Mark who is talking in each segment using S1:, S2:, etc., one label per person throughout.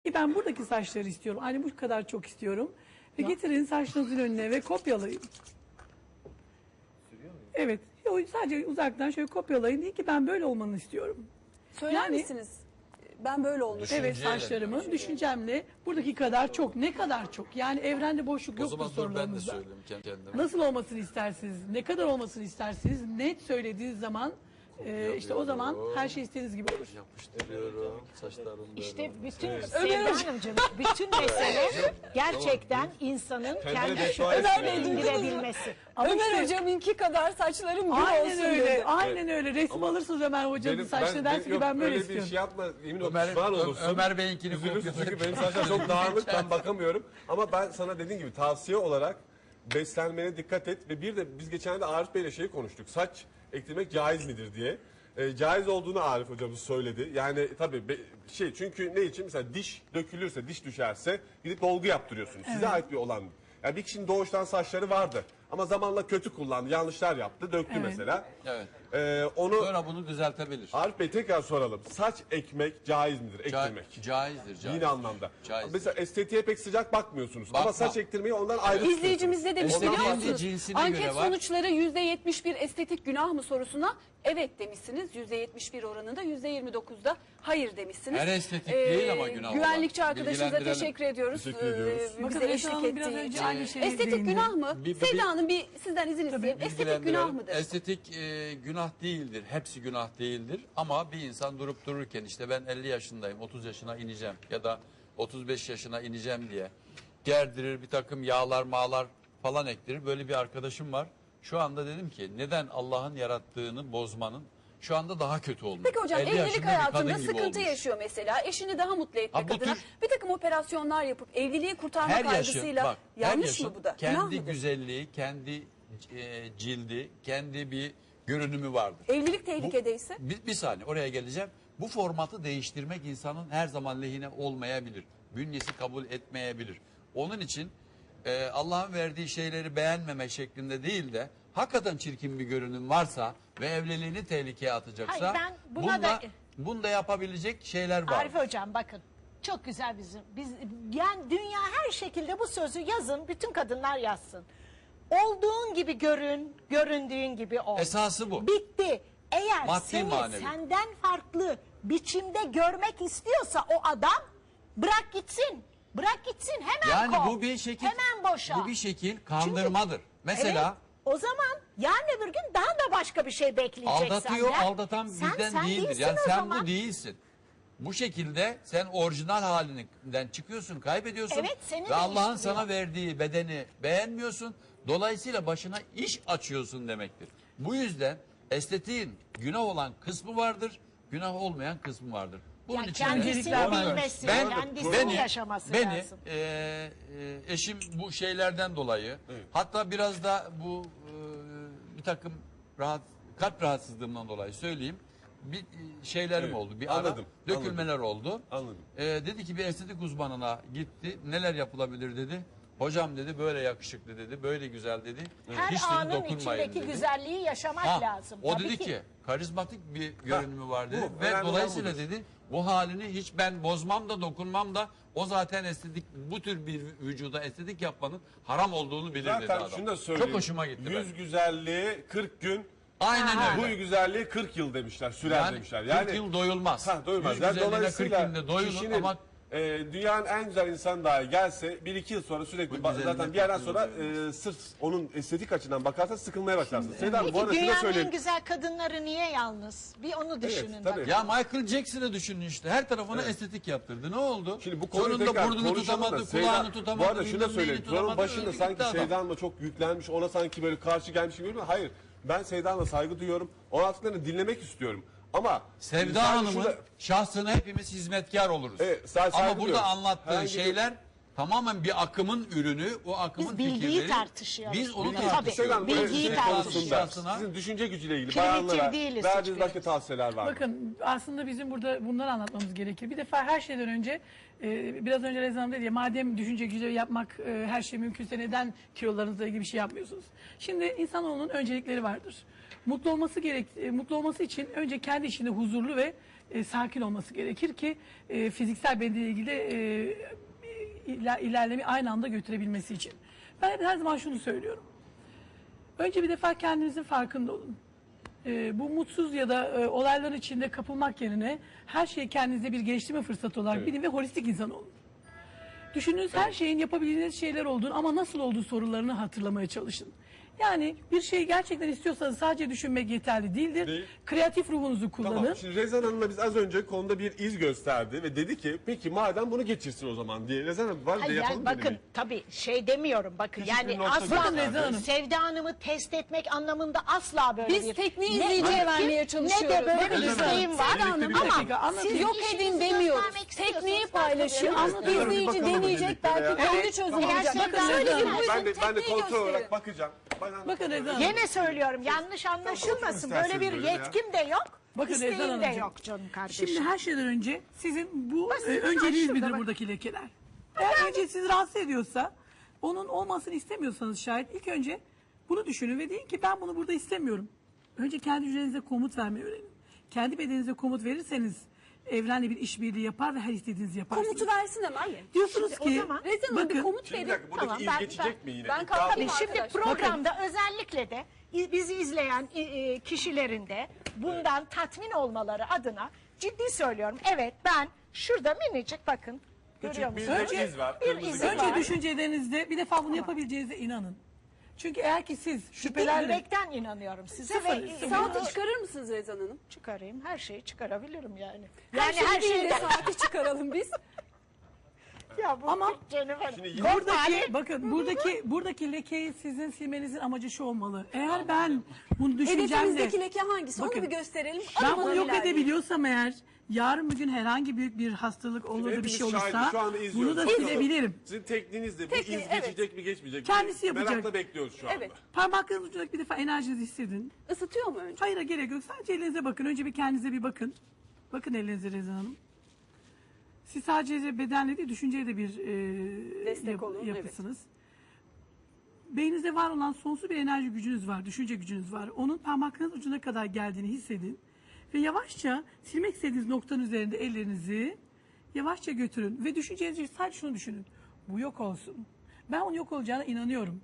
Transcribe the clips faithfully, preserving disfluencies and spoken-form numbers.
S1: ki ben buradaki saçları istiyorum. Hani bu kadar çok istiyorum. Ve getirin saçlarınızın önüne ve kopyalayın. Evet. Sadece uzaktan şöyle kopyalayın. Deyin ki ben böyle olmanı istiyorum.
S2: Söyler
S1: Yani-
S2: misiniz? Ben böyle olmuş.
S1: Evet, saçlarımın düşüncemle buradaki kadar çok. Ne kadar çok? Yani evrende boşluk
S3: O
S1: yoktur
S3: zaman dur ben de
S1: sorularınızda.
S3: söyleyeyim kendime.
S1: Nasıl olmasını istersiniz? Ne kadar olmasını istersiniz? Net söylediğiniz zaman e, işte o zaman her şey istediğiniz gibi olur.
S3: Yapıştırıyorum saçlarımı.
S4: İşte bütün Sevda Hanımcığım, bütün mesele gerçekten insanın kendi
S2: Ömer Bey, duydunuz mu?
S4: indirebilmesi.
S1: Ama
S2: Ömer
S1: işte-
S2: hocamınki kadar saçlarım gür
S1: Aynen
S2: olsun
S1: öyle.
S2: dedi.
S1: Aynen öyle. Resim alırsınız Ömer Hoca'nın saçını dersin ki
S5: yok,
S1: ben böyle
S5: öyle
S1: istiyorum.
S5: bir şey yapma. Emin ol
S3: Ömer-
S5: pişman
S3: Ö-
S5: olursun.
S3: Ömer Bey'inkini
S5: Üzülürsün
S3: kopya-
S5: çünkü benim saçlar çok dağınık, ben bakamıyorum. Ama ben sana dediğim gibi tavsiye olarak beslenmene dikkat et. Ve bir de biz geçen de Arif Bey'le şeyi konuştuk. Saç ektirmek caiz midir diye. E, caiz olduğunu Arif hocamız söyledi. Yani tabii be- şey çünkü ne için? Mesela diş dökülürse, diş düşerse gidip dolgu yaptırıyorsunuz. Size ait bir olan. Yani bir kişinin doğuştan saçları vardı. Ama zamanla kötü kullandı, yanlışlar yaptı, döktü
S1: Evet.
S5: mesela.
S3: Evet.
S5: E, onu
S3: Sonra bunu düzeltebilir.
S5: Arif Bey tekrar soralım. Saç ekmek caiz midir?
S3: Ca-
S5: Ektirmek.
S3: caizdir, caizdir.
S5: Yine anlamda.
S3: Caizdir.
S5: Mesela estetiğe pek sıcak bakmıyorsunuz. Ama
S3: Bakma.
S5: saç ektirmeyi ondan ayrı
S2: İzleyicimiz ne demiş
S3: Estetiğin
S2: biliyor
S3: de
S2: musunuz?
S3: cinsine
S2: Anket
S3: göre var.
S2: sonuçları yüzde yetmiş bir estetik günah mı sorusuna evet demişsiniz. yüzde yetmiş bir oranında, yüzde yirmi dokuzda hayır demişsiniz.
S3: Her estetik değil ama günah olan.
S2: Güvenlikçi arkadaşımıza
S3: Bilgilendirelim.
S2: teşekkür ediyoruz.
S5: Teşekkür ediyoruz.
S2: Ee,
S1: Bakın
S2: bize
S1: Esra
S2: eşlik
S1: Hanım biraz
S2: ettiği
S1: önce
S2: için.
S1: aynı şeyi
S2: Estetik
S1: değindi.
S2: günah mı?
S3: Bir- bir-
S2: Sevda Hanım bir sizden izin isteyeyim. Estetik günah
S3: Bilgilendirelim.
S2: mıdır?
S3: Estetik e, günah değildir. Hepsi günah değildir. Ama bir insan durup dururken işte ben elli yaşındayım, otuz yaşına ineceğim ya da otuz beş yaşına ineceğim diye gerdirir, bir takım yağlar mağlar falan ektirir. Böyle bir arkadaşım var. Şu anda dedim ki neden Allah'ın yarattığını bozmanın şu anda daha kötü olmuş.
S2: Peki hocam
S3: elli
S2: evlilik
S3: yaşında bir
S2: hayatında
S3: kadın gibi
S2: sıkıntı
S3: olmuş.
S2: yaşıyor mesela. Eşini daha mutlu etmek
S3: Ha, bu
S2: adına
S3: tür-
S2: bir takım operasyonlar yapıp evliliği kurtarma
S3: Her yaşın,
S2: kaygısıyla
S3: bak, her
S2: yanlış
S3: yaşın
S2: mı bu da? Günah
S3: kendi
S2: mıdır?
S3: güzelliği, kendi e, cildi, kendi bir görünümü vardır.
S2: Evlilik tehlikedeyse?
S3: Bir, bir saniye oraya geleceğim. Bu formatı değiştirmek insanın her zaman lehine olmayabilir. Bünyesi kabul etmeyebilir. Onun için e, Allah'ın verdiği şeyleri beğenmeme şeklinde değil de hakikaten çirkin bir görünüm varsa ve evliliğini tehlikeye atacaksa
S4: Hayır, ben buna
S3: bunda,
S4: da-
S3: bunda yapabilecek şeyler var.
S4: Arif Hocam bakın çok güzel bizim. Biz, yani dünya her şekilde bu sözü yazın, bütün kadınlar yazsın. Olduğun gibi görün, göründüğün gibi ol.
S3: Esası bu.
S4: Bitti. Eğer
S3: Maddi
S4: seni
S3: manevi.
S4: senden farklı biçimde görmek istiyorsa o adam bırak gitsin. Bırak gitsin hemen
S3: Yani
S4: kov.
S3: bu bir şekil
S4: Hemen boşa.
S3: bu bir şekil kandırmadır. Mesela
S4: Evet, o zaman yarın öbür gün daha da başka bir şey bekleyecek
S3: aldatıyor,
S4: senden.
S3: aldatan
S4: Sen-
S3: bizden
S4: sen
S3: değildir.
S4: değilsin
S3: Yani
S4: o
S3: sen
S4: zaman.
S3: bu değilsin. Bu şekilde sen orijinal halinden çıkıyorsun, kaybediyorsun.
S4: Evet, seni
S3: ve Allah'ın
S4: değiştiriyor.
S3: sana verdiği bedeni beğenmiyorsun. Dolayısıyla başına iş açıyorsun demektir. Bu yüzden estetiğin günah olan kısmı vardır, günah olmayan kısmı vardır. Bunun
S4: Ya
S3: için de-
S4: kendisini
S3: Ona-
S4: bilmesi,
S3: ben,
S4: kendisini
S3: beni,
S4: yaşaması
S3: beni,
S4: lazım.
S3: e, e, eşim bu şeylerden dolayı hatta biraz da bu e, bir takım rahat, kalp rahatsızlığımdan dolayı söyleyeyim. Bir e, şeylerim
S5: Evet,
S3: oldu. Bir ara
S5: anladım,
S3: dökülmeler oldu.
S5: Anladım.
S3: E, dedi ki bir estetik uzmanına gitti. Neler yapılabilir dedi. Hocam dedi böyle yakışıklı dedi. Böyle güzel dedi.
S4: Her
S3: Hiç dedi
S4: anın
S3: dokunmayın
S4: içindeki
S3: dedi.
S4: güzelliği yaşamak
S3: Ha,
S4: lazım.
S3: o
S4: Tabii
S3: dedi
S4: ki.
S3: ki karizmatik bir görünümü var dedi.
S5: bu,
S3: Ve
S5: önemli olan
S3: dolayısıyla
S5: budur.
S3: dedi bu halini hiç ben bozmam da dokunmam da o zaten estetik bu tür bir vücuda estetik yapmanın haram olduğunu bilir dedi
S5: Zaten
S3: adam.
S5: şunu da söyleyeyim.
S3: Çok hoşuma gitti.
S5: Yüz
S3: benim.
S5: güzelliği kırk gün.
S3: Aynen
S5: Bu
S3: öyle.
S5: güzelliği kırk yıl demişler, sürer
S3: Yani
S5: demişler.
S3: kırk yıl doyulmaz.
S5: Ha, doyulmaz.
S3: Yüz
S5: Yani
S3: güzelliğine
S5: dolayısıyla
S3: kırk günde doyulur
S5: kişinin,
S3: ama
S5: e, dünyanın en güzel insanı dahi gelse bir iki yıl sonra sürekli
S3: Bu
S5: ba-
S3: güzelliğine
S5: zaten bir yerden
S3: kırk yıl
S5: sonra
S3: doyulmaz.
S5: e, sırf onun estetik açıdan bakarsan sıkılmaya başlarsın. Seda Hanım, bu
S4: Peki
S5: arada şunu da
S4: dünyanın
S5: söyleyeyim.
S4: en güzel kadınları niye yalnız? Bir onu düşünün
S5: tabii.
S4: bakın.
S3: ya Michael Jackson'ı düşünün işte. Her tarafına estetik yaptırdı. Ne oldu?
S5: Şimdi bu konuyu
S3: Sonunda
S5: tekrar
S3: burnunu
S5: konuşalım da
S3: tutamadı,
S5: Seyda-
S3: kulağını tutamadı.
S5: Bu arada şunu da
S3: bilmem neyini
S5: söyleyeyim. Programın
S3: tutamadı,
S5: başında
S3: öldü
S5: sanki
S3: gitti adam.
S5: Seyda Hanım'a çok yüklenmiş, ona sanki böyle karşı gelmiş gibi görünüyor. Hayır. Ben Seyda Hanım'a saygı duyuyorum. O anlattıklarını dinlemek istiyorum. Ama
S3: Sevda
S5: sadece
S3: Hanım'ın
S5: şurada-
S3: şahsına hepimiz hizmetkar oluruz.
S5: Evet, sadece saygı
S3: Ama burada
S5: duyuyorum.
S3: anlattığı
S5: Herhangi bir-
S3: şeyler tamamen bir akımın ürünü. O akımın
S4: Biz bilgiyi
S3: fikirleri.
S4: tartışıyoruz.
S3: Biz onu
S4: Bilgi-
S3: tartışıyoruz.
S4: Tabii,
S5: Hanım,
S4: bilgiyi
S5: bu estetik
S4: tartışıyoruz.
S5: konusunda
S3: Şahsına-
S5: Sizin düşünce gücüyle ilgili
S4: Primitif
S5: bayanlara
S4: değiliz
S5: verdiğiniz
S4: hiçbirimiz.
S5: başka tavsiyeler var mı?
S1: Bakın aslında bizim burada bunları anlatmamız gerekir. Bir defa her şeyden önce e, biraz önce Rezan Hanım dedi ya madem düşünce gücü yapmak e, her şey mümkünse neden kilolarınızla ilgili bir şey yapmıyorsunuz? Şimdi insanoğlunun öncelikleri vardır. Mutlu olması gerek, e, mutlu olması için önce kendi içinde huzurlu ve e, sakin olması gerekir ki e, fiziksel bedeniyle ilgili de, e, iler, ilerlemi aynı anda götürebilmesi için. Ben her zaman şunu söylüyorum. Önce bir defa kendinizin farkında olun. E, bu mutsuz ya da e, olayların içinde kapılmak yerine her şeyi kendinize bir geliştirme fırsatı olarak
S5: Evet.
S1: bilin ve holistik insan olun. Düşündüğünüz her şeyin yapabildiğiniz şeyler olduğunu ama nasıl olduğu sorularını hatırlamaya çalışın. Yani bir şeyi gerçekten istiyorsanız sadece düşünmek yeterli değildir.
S5: Değil.
S1: Kreatif ruhunuzu kullanın.
S5: Tamam. Şimdi Rezan Hanım'la biz az önce konuda bir iz gösterdi ve dedi ki peki madem bunu geçirsin o zaman diye. Rezan Hanım var
S4: Hayır,
S5: da yapalım
S4: yani bakın
S5: denemeyi.
S4: tabii şey demiyorum bakın
S5: Küçük bir
S4: yani
S5: nokta
S4: asla
S1: Bakın Rezan Hanım.
S4: Sevda Hanım'ı test etmek anlamında asla böyle
S2: Biz
S4: bir
S2: tekniği
S4: ne
S2: izleyiciye
S4: ilkim,
S2: vermeye
S4: ne de
S2: çalışıyoruz.
S4: böyle
S1: Bakın
S4: bir
S1: Rezan
S4: isteğim
S1: Hanım,
S4: var
S5: birlikte bir
S4: ama
S1: dakika anlatın.
S4: siz
S2: Yok
S4: işinizi
S2: edin demiyoruz.
S4: göstermek istiyorsanız
S2: Tekniği
S4: başka
S2: paylaşıyor.
S4: bir-
S1: Anlatıyorum.
S5: Bir
S2: İzleyici
S5: bakalım
S2: deneyecek
S5: birlikte
S2: belki
S5: ya.
S2: kendi
S1: Evet.
S2: çözümü
S4: Eğer
S2: bulacak.
S4: Sevda
S2: Bakın
S4: Hanım-
S2: söyleyin
S4: Ben
S2: buyurun
S5: Ben de, ben de
S2: tekniği
S5: kontrol olarak
S2: gösterin.
S5: bakacağım. Bana-
S1: Bakın Rezan Hanım.
S4: Yine söylüyorum yanlış anlaşılmasın.
S5: Bakın
S4: Böyle bir
S5: isterseniz böyle ya.
S4: yetkim de yok.
S1: Bakın Rezan
S4: isteğim de
S1: Hanımcığım.
S4: yok canım kardeşim.
S1: Şimdi her şeyden önce sizin bu
S4: Basit,
S1: e, önceliğiniz
S4: şurada
S1: midir
S4: bak.
S1: buradaki lekeler? Eğer önce sizi rahatsız ediyorsa, onun olmasını istemiyorsanız şayet ilk önce bunu düşünün ve deyin ki ben bunu burada istemiyorum. Önce kendi hücrenize komut vermeyi öğrenin. Kendi bedeninize komut verirseniz evrenle bir işbirliği yapar ve her istediğinizi yaparsınız.
S2: Komutu versin hemen.
S1: Diyorsunuz
S4: o
S1: ki
S4: zaman-
S2: Rezan Hanım bir
S1: bakın
S2: komut
S5: Şimdi bir
S2: verin.
S5: dakika buradaki
S4: Tamam,
S5: iz
S4: ben-
S5: geçecek
S4: ben-
S5: mi yine?
S2: ben
S5: İddia
S2: kalkayım
S5: mı?
S4: Tabii şimdi
S2: arkadaşlar.
S4: programda özellikle de i- bizi izleyen i- i- kişilerin de bundan tatmin olmaları adına ciddi söylüyorum. Evet ben şurada minicik bakın. Görüyor
S5: Küçük
S4: musunuz?
S5: bir
S1: Önce-
S5: iz var.
S4: bir
S5: kırmızı
S4: iz
S5: gibi.
S1: önce
S4: var.
S1: düşüncelerinizde bir defa bunu yapabileceğinize inanın. Çünkü eğer ki siz
S4: Ciddi
S1: şüphelerle
S4: yürekten inanıyorum size
S1: Sıfır,
S4: ve
S1: sıfır.
S2: Saati çıkarır mısınız Rezan Hanım?
S4: çıkarayım her şeyi çıkarabilirim yani.
S2: Yani
S4: Yani
S2: her,
S4: her
S2: şeyi
S4: şeyi
S2: de saati çıkaralım biz.
S4: ya bu
S1: Ama
S4: Jennifer,
S5: Şimdi yine-
S1: buradaki bakın buradaki buradaki lekeyi sizin silmenizin amacı şu olmalı. Eğer ben bunu düşüncemle
S2: Hedefimizdeki leke hangisi?
S1: Bakın,
S2: Onu bir gösterelim.
S1: ben
S2: Ama
S1: bunu yok
S2: ilerleyelim.
S1: edebiliyorsam eğer yarın bir gün herhangi büyük bir hastalık olur da bir
S5: Hepimiz
S1: şey
S5: şahidiz,
S1: olursa
S5: şu anda
S1: bunu
S5: izliyoruz.
S1: da
S5: Bakalım.
S1: silebilirim.
S5: Sizin tekniğiniz de bu
S2: Tekniği,
S5: iz
S2: evet.
S5: geçecek mi geçmeyecek mi?
S1: Kendisi yapacak.
S5: Merakla bekliyoruz şu anda.
S2: Evet.
S1: Parmaklarınız ucundaki bir defa enerjinizi hissedin.
S2: Isıtıyor mu önce?
S1: Hayır gerek yok. Sadece elinize bakın. Önce bir kendinize bir bakın. Bakın elinize Rezan Hanım. Siz sadece bedenle değil düşünceyle de bir e,
S2: Destek olun, evet.
S1: yapısınız. Beyninizde var olan sonsuz bir enerji gücünüz var, düşünce gücünüz var. Onun parmaklarınız ucuna kadar geldiğini hissedin. Ve yavaşça silmek istediğiniz noktanın üzerinde ellerinizi yavaşça götürün. Ve düşüncenizi sadece şunu düşünün. Bu yok olsun. Ben onun yok olacağına inanıyorum.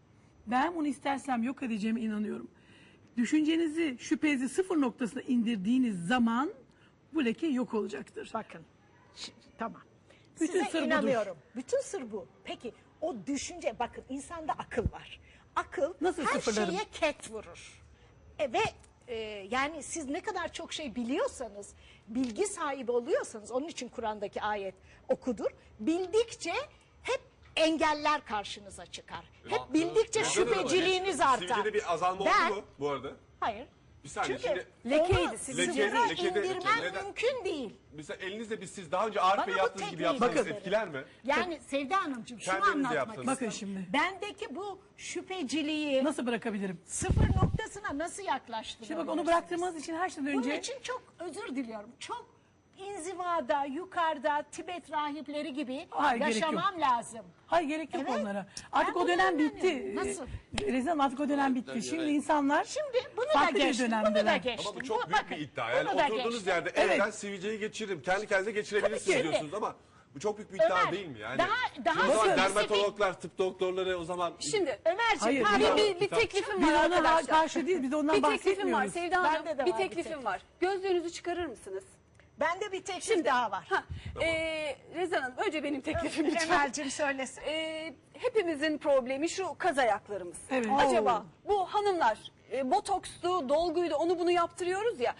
S1: Ben bunu istersem yok edeceğime inanıyorum. Düşüncenizi, şüphenizi sıfır noktasına indirdiğiniz zaman bu leke yok olacaktır.
S4: bakın. Şimdi, tamam.
S1: Bütün
S4: Size
S1: sır budur.
S4: inanıyorum. Bütün sır bu. Peki o düşünce bakın insanda akıl var. Akıl
S1: Nasıl
S4: her
S1: sıfırlarım?
S4: şeye ket vurur. E, ve e, yani siz ne kadar çok şey biliyorsanız, bilgi sahibi oluyorsanız onun için Kur'an'daki ayet okudur. Bildikçe hep engeller karşınıza çıkar. Hep bildikçe
S5: Rezan Hanım,
S4: şüpheciliğiniz artar.
S5: Sivilcede bir azalma
S4: Ben-
S5: oldu mu bu arada?
S4: Hayır.
S5: Bir saniye,
S4: Çünkü
S5: şimdi-
S2: Lekeydi,
S4: onu
S2: sizin
S4: sıfıra
S5: lekeydi, lekeydi,
S4: indirmem
S5: neden?
S4: mümkün değil.
S5: Mesela elinizle biz siz daha önce Arif
S4: Bana
S5: Bey
S4: bu
S5: yaptığınız gibi
S4: tekniği
S5: yapsanız
S4: gösterin.
S5: etkiler mi?
S4: Yani Sevda Hanımcığım şunu
S5: Kendiniz
S4: anlatmak
S5: yaptınız.
S4: istiyorum.
S1: Bakın şimdi.
S4: Bendeki bu şüpheciliği
S1: Nasıl bırakabilirim?
S4: sıfır noktasına nasıl yaklaştırabilirsiniz?
S1: Şimdi bak onu bıraktığımız için her şeyden
S4: Bunun
S1: önce
S4: için çok özür diliyorum. Çok inzivada, yukarıda, Tibet rahipleri gibi
S1: Hayır, gerek
S4: yaşamam lazım.
S1: hayır gerek yok
S4: Evet.
S1: onlara. Artık
S4: Ben
S1: o dönem
S4: buna
S1: bitti.
S4: inanıyorum. Nasıl?
S1: Rezan Hanım, artık o dönem bitti. Şimdi insanlar
S4: Şimdi bunu da
S1: farklı bir
S4: geçtim, bunu da
S1: dönemdeler.
S4: geçtim.
S5: Ama bu çok
S4: Bu-
S5: büyük
S4: bakın,
S5: bir iddia. Yani
S4: bunu da
S5: oturduğunuz
S4: geçtim.
S5: yerde
S1: Evet.
S5: evden sivilceyi geçiririm. Kendi kendinize geçirebilirsiniz
S4: Tabii ki.
S5: diyorsunuz ama bu çok büyük bir iddia
S4: Ömer,
S5: değil mi yani?
S4: daha- daha
S5: Şimdi o zaman
S4: spesifik-
S5: dermatologlar, tıp doktorları o zaman
S2: Şimdi
S4: Ömerciğim
S1: Hayır,
S4: pardon.
S2: bir, bir, bir teklifim
S1: biz
S2: var
S1: ona
S2: arkadaşlar.
S1: karşı değil, biz ondan
S2: Bir teklifim var
S1: bahsetmiyoruz.
S2: Sevda Hanım.
S4: Bende de
S2: Bir
S4: var bir
S2: teklifim
S4: teklif.
S2: var. Gözlüğünüzü çıkarır mısınız?
S4: Bende bir teklif
S2: Şimdi
S4: daha var.
S2: Ha, e, Rezan Hanım önce benim teklifim lütfen.
S4: Emel'cim söylesin.
S2: E, hepimizin problemi şu kaz ayaklarımız.
S1: Evet.
S2: Acaba bu hanımlar e, botokstu, dolguydu onu bunu yaptırıyoruz ya.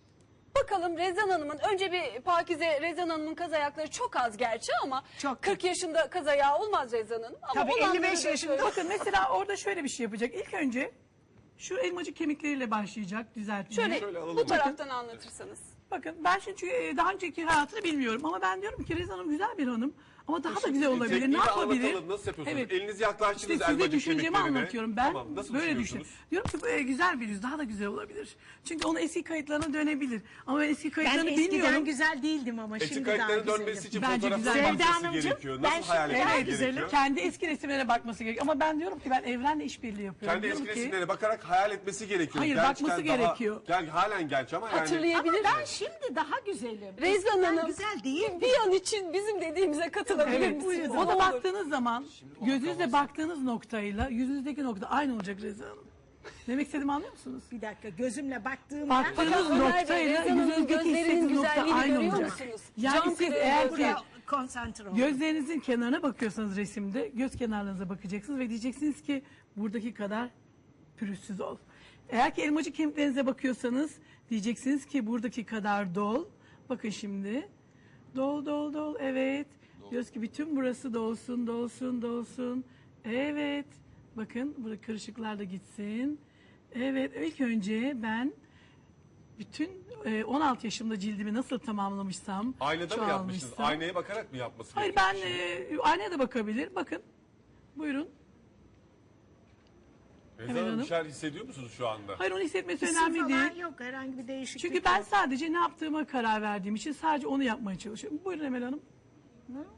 S2: Bakalım Rezan Hanım'ın önce bir Pakize Rezan Hanım'ın kaz ayakları çok az gerçi ama
S4: Çok.
S2: kırk yaşında kaz ayağı olmaz Rezan Hanım. Ama
S4: Tabii
S2: olanları
S4: elli beş
S2: da
S4: yaşında.
S2: şöyle-
S1: Bakın mesela orada şöyle bir şey yapacak. İlk önce şu elmacık kemikleriyle başlayacak düzeltmeye.
S2: Şöyle,
S5: Şöyle alalım.
S2: bu taraftan anlatırsanız.
S1: Bakın ben şimdi çünkü e, daha önceki hayatını bilmiyorum ama ben diyorum ki Rezan Hanım güzel bir hanım Ama daha da
S5: Şimdi
S1: güzel olabilir. Ne
S5: tekniği
S1: yapabilir?
S5: anlatalım, nasıl yapıyorsunuz?
S1: Evet.
S5: Elinizi yaklaştınız
S1: İşte size
S5: elmacık
S1: düşüncemi
S5: kemiklerine.
S1: anlatıyorum. Ben
S5: Tamam, nasıl
S1: böyle düşün.
S5: düşünüyorsunuz?
S1: Diyorum ki böyle güzel bir yüz daha da güzel olabilir. Çünkü onun eski kayıtlarına dönebilir. Ama ben eski
S4: Ben
S1: kayıtlarını
S4: eskiden
S1: bilmiyorum.
S4: güzel değildim ama
S5: Eski
S4: şimdi daha
S5: kayıtların
S4: güzelim.
S5: dönmesi için
S1: Bence
S5: fotoğraflara
S1: güzel.
S4: Sevda
S5: bakması
S4: Hanımcığım,
S5: gerekiyor.
S4: ben
S5: Nasıl
S4: şimdi
S5: hayal
S4: daha
S5: etmesi
S4: güzelim.
S5: gerekiyor?
S1: Kendi eski resimlerine bakması gerekiyor. Ama ben diyorum ki ben evrenle işbirliği yapıyorum.
S5: Kendi
S1: Diyorum
S5: eski
S1: ki,
S5: resimlere bakarak hayal etmesi gerekiyor.
S1: Hayır,
S5: Gençken
S1: bakması
S5: daha-
S1: gerekiyor.
S5: Gel, halen genç ama yani.
S2: Hatırlayabilir.
S4: Ama ben şimdi daha güzelim.
S2: Rezan
S4: Eskiden
S2: Hanım
S4: güzel değil.
S2: bir an için bizim dediğimize katılabilir
S1: Evet,
S2: misiniz?
S1: ona
S2: Ne olur.
S1: baktığınız zaman gözünüzle baktığınız noktayla yüzünüzdeki nokta aynı olacak Rezan Hanım. Demek istediğimi anlıyor musunuz?
S4: Bir dakika gözümle baktığımda
S1: Baktığınız
S2: Ömer Bey,
S1: noktayla
S2: Rezan Hanım'ın
S1: yüzünüzdeki
S2: gözlerinin
S1: hissettiğiniz nokta
S2: güzelliğini
S1: aynı
S2: görüyor
S1: olacak.
S2: musunuz?
S1: Yani
S2: Cam
S1: siz
S2: kırığı
S1: eğer ki
S2: gözler.
S4: konsantre oldum.
S1: gözlerinizin kenarına bakıyorsanız resimde göz kenarlarınıza bakacaksınız ve diyeceksiniz ki buradaki kadar pürüzsüz ol. Eğer ki elmacık kemiklerinize bakıyorsanız diyeceksiniz ki buradaki kadar dol. Bakın şimdi. Dol dol dol evet. Diyoruz ki bütün burası dolsun dolsun dolsun. Evet. Bakın burada kırışıklar da gitsin. Evet ilk önce ben bütün e, on altı yaşımda cildimi nasıl tamamlamışsam.
S5: Aynada mı yapmışsınız?
S1: çoğalmışsam-
S5: Aynaya bakarak mı yapması
S1: Hayır
S5: gerekiyor?
S1: ben e, aynaya da bakabilir. Bakın. Buyurun.
S5: Rezan
S1: Emel
S5: Hanım
S1: Hanım.
S5: bir şeyler hissediyor musunuz şu anda?
S1: Hayır onu hissetmesi
S4: Hissi
S1: önemli
S4: falan
S1: değil.
S4: yok herhangi bir değişiklik
S1: Çünkü ben
S4: yok.
S1: sadece ne yaptığıma karar verdiğim için sadece onu yapmaya çalışıyorum. Buyurun Emel Hanım.
S4: Hı?